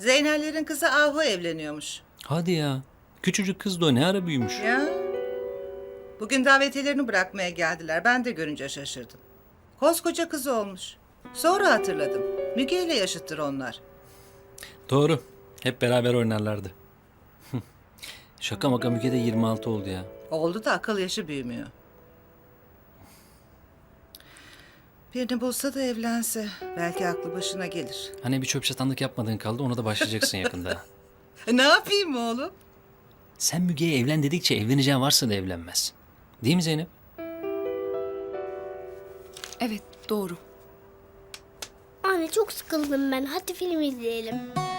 Zeynellerin kızı Ahu evleniyormuş. Hadi ya. Küçücük kız da o ne ara büyümüş. Ya. Bugün davetiyelerini bırakmaya geldiler. Ben de görünce şaşırdım. Koskoca kız olmuş. Sonra hatırladım. Müge ile yaşıttır onlar. Doğru. Hep beraber oynarlardı. Şaka maka Müge de 26 oldu ya. Oldu da akıl yaşı büyümüyor. Birini bulsa da evlense belki aklı başına gelir. Hani bir çöp çatanlık yapmadığın kaldı, ona da başlayacaksın yakında. Ne yapayım oğlum? Sen Müge'ye evlen dedikçe evleneceğin varsa da evlenmez. Değil mi Zeynep? Evet, doğru. Anne çok sıkıldım ben. Hadi film izleyelim.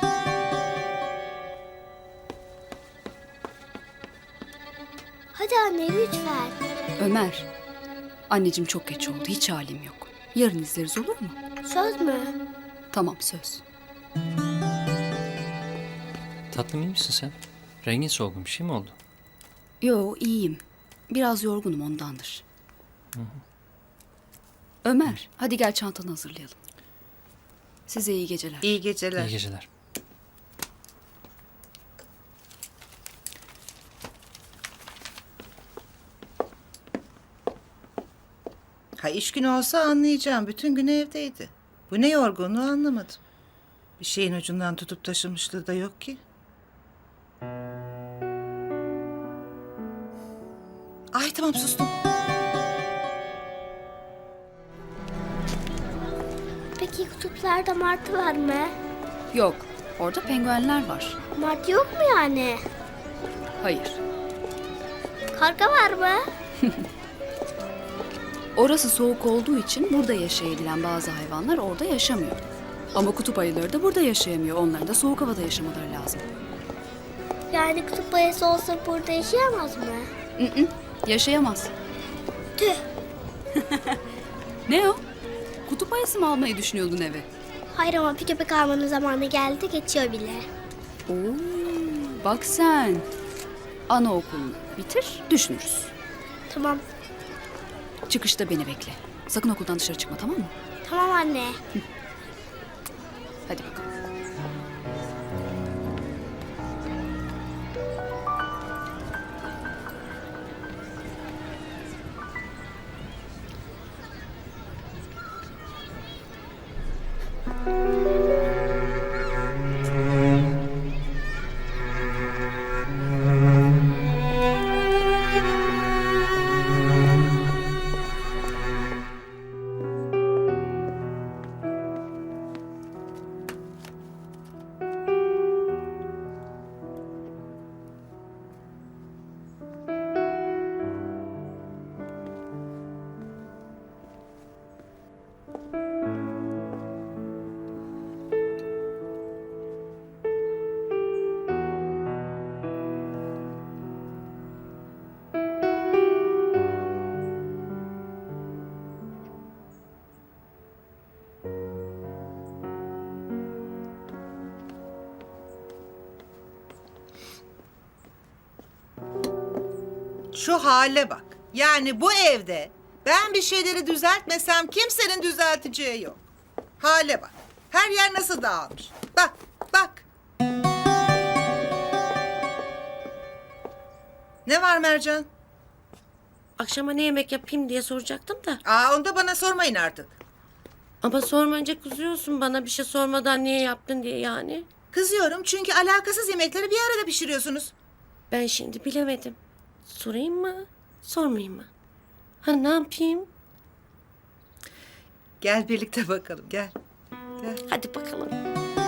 Hadi anne lütfen. Ömer, anneciğim çok geç oldu. Hiç halim yok. Yarın izleriz, olur mu? Söz mü? Tamam, söz. Tatlım, iyi misin sen? Rengin solgun, bir şey mi oldu? Yo, iyiyim. Biraz yorgunum, ondandır. Ömer, hadi gel çantanı hazırlayalım. Size iyi geceler. İyi geceler. İyi geceler. Ha iş günü olsa anlayacağım. Bütün gün evdeydi. Bu ne yorgunluğu anlamadım. Bir şeyin ucundan tutup taşımışlığı da yok ki. Ay tamam sustum. Peki kutuplarda martı var mı? Yok, orada penguenler var. Martı yok mu yani? Hayır. Karga var mı? Orası soğuk olduğu için burada yaşayabilen bazı hayvanlar orada yaşamıyor. Ama kutup ayıları da burada yaşayamıyor. Onların da soğuk havada yaşamaları lazım. Yani kutup ayısı olsa burada yaşayamaz mı? Yaşayamaz. Tüh. Ne o? Kutup ayısı mı almayı düşünüyordun eve? Hayır ama bir köpek almanın zamanı geldi, geçiyor bile. Oo, bak sen. Anaokulunu bitir, düşünürüz. Tamam. Çıkışta beni bekle. Sakın okuldan dışarı çıkma, tamam mı? Tamam anne. Hadi bakalım. Şu hale bak. Yani bu evde ben bir şeyleri düzeltmesem kimsenin düzelteceği yok. Hale bak. Her yer nasıl dağılmış. Bak, bak. Ne var Mercan? Akşama ne yemek yapayım diye soracaktım da. Aa, onu da bana sormayın artık. Ama sormayınca kızıyorsun bana, bir şey sormadan niye yaptın diye yani. Kızıyorum çünkü alakasız yemekleri bir arada pişiriyorsunuz. Ben şimdi bilemedim. Sorayım mı, sormayayım mı? Ha, ne yapayım? Gel birlikte bakalım, gel. Gel. Hadi bakalım.